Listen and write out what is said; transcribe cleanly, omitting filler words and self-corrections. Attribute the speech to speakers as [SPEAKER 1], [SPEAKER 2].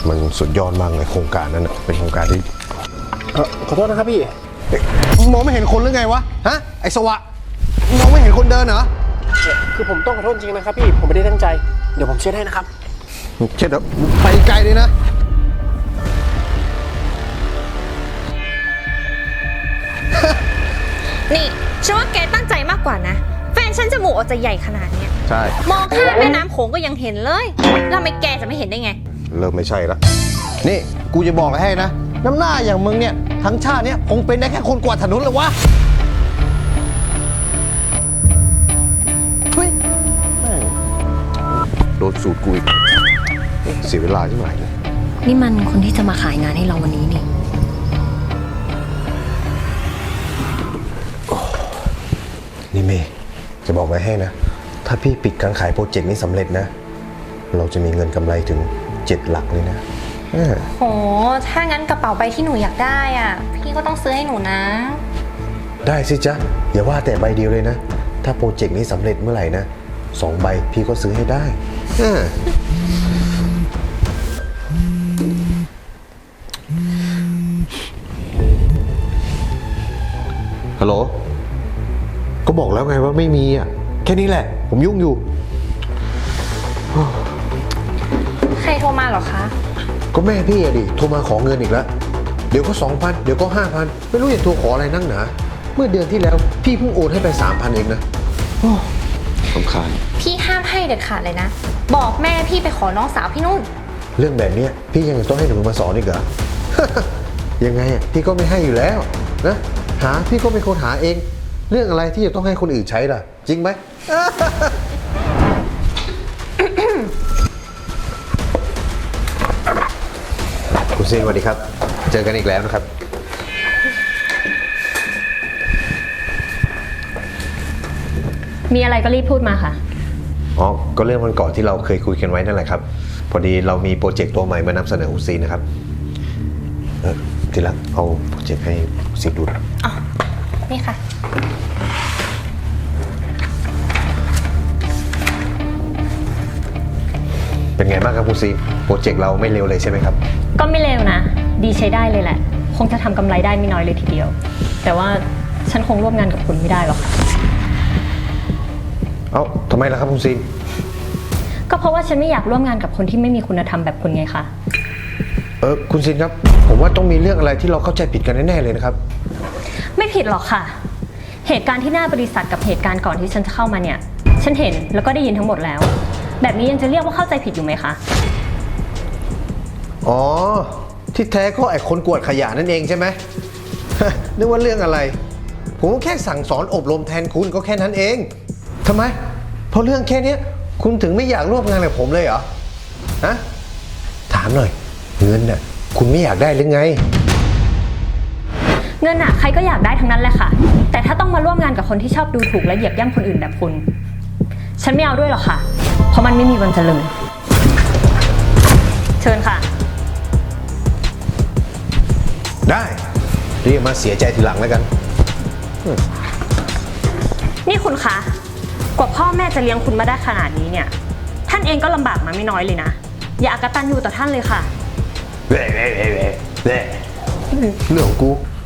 [SPEAKER 1] มันสุดยอดมากเลยโครงการนั้นนะเป็นโครงการที่
[SPEAKER 2] ขอโทษนะครับพี่
[SPEAKER 1] มองไม่เห็นคนหรือไงวะฮะไอ้สวะมองไม่เห็นคนเดินเหรอ
[SPEAKER 2] คือผมต้องขอโทษจริงนะครับพี่ผมไม่ได้ตั้งใจเดี๋ยวผมเช็ดให้นะครับ
[SPEAKER 1] เช็ดไปไกลเลยนะ
[SPEAKER 3] นี่ฉันว่าแกตั้งใจมากกว่านะแฟนฉันจมูกออกจะใหญ่ขนาดเนี้ย
[SPEAKER 1] ใช่
[SPEAKER 3] มองข้ามแม่น้ำโขงก็ยังเห็นเลยแล้วทำไมแกจะไม่เห็นได้ไง
[SPEAKER 1] เริ่มไม่ใช่ละนี่กูจะบอกให้นะน้ำหน้าอย่างมึงเนี่ยทั้งชาติเนี่ยคงเป็นได้แค่คนกวาดถนนเลยวะเฮ้ยโดนสูตรกูอีกเสียเวลาที่ไหนเลย
[SPEAKER 3] นี่มันคนที่จะมาขายงานให้เราวันนี้นี่
[SPEAKER 1] นี่เมย์จะบอกไว้ให้นะถ้าพี่ปิดการขายโปรเจกต์นี้สำเร็จนะเราจะมีเงินกำไรถึง7 หลักเลยนะ
[SPEAKER 3] โหถ้างั้นกระเป๋าใบที่หนูอยากได้อ่ะพี่ก็ต้องซื้อให้หนูนะ
[SPEAKER 1] ได้สิจ๊ะอย่าว่าแต่ใบเดียวเลยนะถ้าโปรเจกต์นี้สำเร็จเมื่อไหร่นะ2 ใบพี่ก็ซื้อให้ได้ฮัลโหลก็บอกแล้วไงว่าไม่มีอ่ะแค่นี้แหละผมยุ่งอยู่
[SPEAKER 3] ใครโทรมาเหรอคะ
[SPEAKER 1] ก็แม่พี่อะดิโทรมาขอเงินอีกแล้วเดี๋ยวก็ 2,000 เดี๋ยวก็ 5,000ไม่รู้จะโทรขออะไรนั่งหนาเมื่อเดือนที่แล้วพี่เพิ่งโอนให้ไป 3,000 เองนะสำคัญ
[SPEAKER 3] พี่ห้ามให้เด็ดขาดเลยนะบอกแม่พี่ไปขอน้องสาวพี่นุ่น
[SPEAKER 1] เรื่องแบบนี้พี่ยังต้องให้หนูมาสอนอีกเหรอ ยังไงอ่ะพี่ก็ไม่ให้อยู่แล้วนะหาพี่ก็เป็นคนหาเองเรื่องอะไรที่จะต้องให้คนอื่นใช้ล่ะจริงไหม คุณซีนสวัสดีครับเจอกันอีกแล้วนะครับ
[SPEAKER 3] มีอะไรก็รีบพูดมาค่ะ
[SPEAKER 1] อ๋อก็เรื่องวันก่อนที่เราเคยคุยกันไว้นั่นแหละครับพอดีเรามีโปรเจกต์ตัวใหม่มานำเสนอคุณซีนนะครับทีละเอาโปรเจกต์ให้ซีนดู
[SPEAKER 3] อ๋อนี่ค่ะ
[SPEAKER 1] เป็นไงบ้างครับคุณซีโปรเจกต์เราไม่เร็วเลยใช่ไหมครับ
[SPEAKER 3] ก็ไม่เร็วนะดีใช้ได้เลยแหละคงจะทำกำไรได้ไม่น้อยเลยทีเดียวแต่ว่าฉันคงร่วมงานกับคุณไม่ได้หรอกค่ะ
[SPEAKER 1] เอ้าทำไมล่ะครับคุณซี
[SPEAKER 3] ก็เพราะว่าฉันไม่อยากร่วมงานกับคนที่ไม่มีคุณธรรมแบบคุณไงคะ
[SPEAKER 1] คุณซีครับผมว่าต้องมีเรื่องอะไรที่เราเข้าใจผิดกันแน่ๆเลยนะครับ
[SPEAKER 3] ไม่ผิดหรอกค่ะเหตุการณ์ที่หน้าบริษัทกับเหตุการณ์ก่อนที่ฉันจะเข้ามาเนี่ยฉันเห็นแล้วก็ได้ยินทั้งหมดแล้วแบบนี้ยังจะเรียกว่าเข้าใจผิดอยู่ไหมคะ
[SPEAKER 1] อ๋อที่แท้ก็ไอ้คนกวาดขยะนั่นเองใช่ไหม นึกว่าเรื่องอะไรผมแค่สั่งสอนอบรมแทนคุณก็แค่นั้นเองทำไมเพราะเรื่องแค่นี้คุณถึงไม่อยากร่วมงานกับผมเลยเหรอฮะถามหน่อยเงินน่ะคุณไม่อยากได้หรือไง
[SPEAKER 3] เงินน่ะใครก็อยากได้ทั้งนั้นแหละค่ะแต่ถ้าต้องมาร่วมงานกับคนที่ชอบดูถูกและเหยียบย่ำคนอื่นแบบคุณฉันไม่เอาด้วยหรอกค่ะเพราะมันไม่มีวันเจริญเชิญค่ะ
[SPEAKER 1] ได้เรียกมาเสียใจทีหลังแล้วกัน
[SPEAKER 3] นี่คุณคะกว่าพ่อแม่จะเลี้ยงคุณมาได้ขนาดนี้เนี่ยท่านเองก็ลำบากมาไม่น้อยเลยนะอย่าอกตัญญูต่อท่านเลยค่ะ
[SPEAKER 1] เรื่องของกู